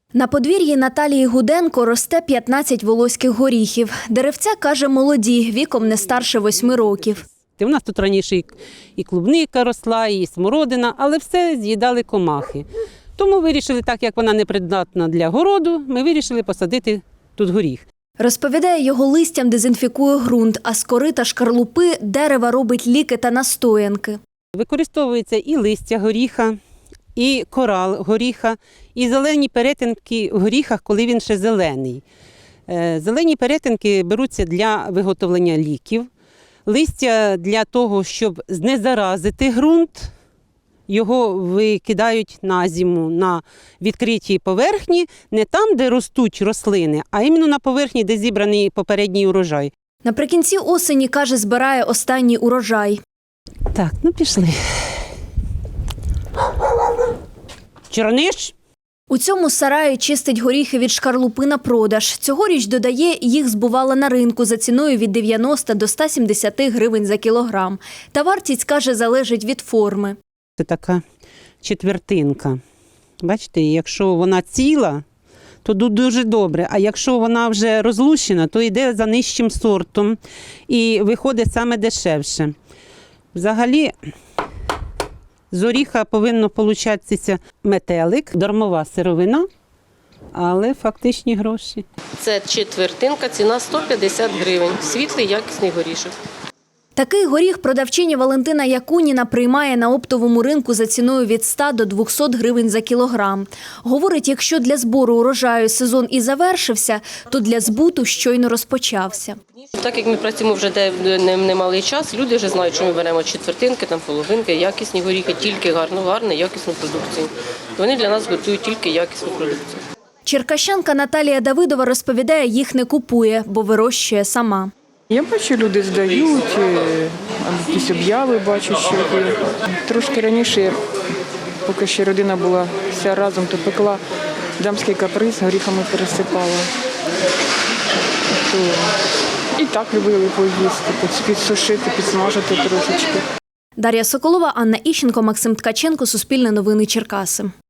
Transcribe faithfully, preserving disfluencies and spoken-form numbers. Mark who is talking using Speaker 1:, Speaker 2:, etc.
Speaker 1: На подвір'ї Наталії Гуденко росте п'ятнадцять волоських горіхів. Деревця, каже, молоді, віком не старше восьми років.
Speaker 2: У нас тут раніше і клубника росла, і смородина, але все з'їдали комахи. Тому вирішили, так як вона непридатна для городу, ми вирішили посадити тут горіх.
Speaker 1: Розповідає, його листям дезінфікує ґрунт, а з кори та шкарлупи дерева робить ліки та настоянки.
Speaker 2: Використовується і листя горіха, і кора горіха, і зелені перетинки в горіхах, коли він ще зелений. Зелені перетинки беруться для виготовлення ліків, листя для того, щоб знезаразити ґрунт. Його викидають на зиму на відкритій поверхні, не там, де ростуть рослини, а іменно на поверхні, де зібраний попередній урожай.
Speaker 1: Наприкінці осені, каже, збирає останній урожай.
Speaker 2: Так, ну пішли. Чорниш?
Speaker 1: У цьому сараї чистить горіхи від шкарлупи на продаж. Цьогоріч, додає, їх збувала на ринку за ціною від дев'яноста до ста сімдесяти гривень за кілограм. Та вартість, каже, залежить від форми.
Speaker 2: Це така четвертинка. Бачите, якщо вона ціла, то дуже добре, а якщо вона вже розлущена, то йде за нижчим сортом і виходить саме дешевше. Взагалі, з оріха повинно получатися метелик, дармова сировина, але фактичні гроші.
Speaker 3: Це четвертинка, ціна сто п'ятдесят гривень. Світлий, якісний горішок.
Speaker 1: Такий горіх продавчиня Валентина Якуніна приймає на оптовому ринку за ціною від ста до двохсот гривень за кілограм. Говорить, якщо для збору урожаю сезон і завершився, то для збуту щойно розпочався.
Speaker 3: Так як ми працюємо вже немалий час, люди вже знають, що ми беремо четвертинки, там половинки, якісні горіхи, тільки гарну, гарну, якісну продукцію. Вони для нас готують тільки якісну продукцію.
Speaker 1: Черкащанка Наталія Давидова розповідає, їх не купує, бо вирощує сама.
Speaker 4: Я бачу, люди здають, якісь обяви бачу, що є. Трошки раніше, поки ще родина була вся разом, то пекла дамський каприз, горіхами пересипала. То і так любили поїсти, підсушити, підсмажити трошечки.
Speaker 1: Дар'я Соколова, Анна Іщенко, Максим Ткаченко, Суспільне новини, Черкаси.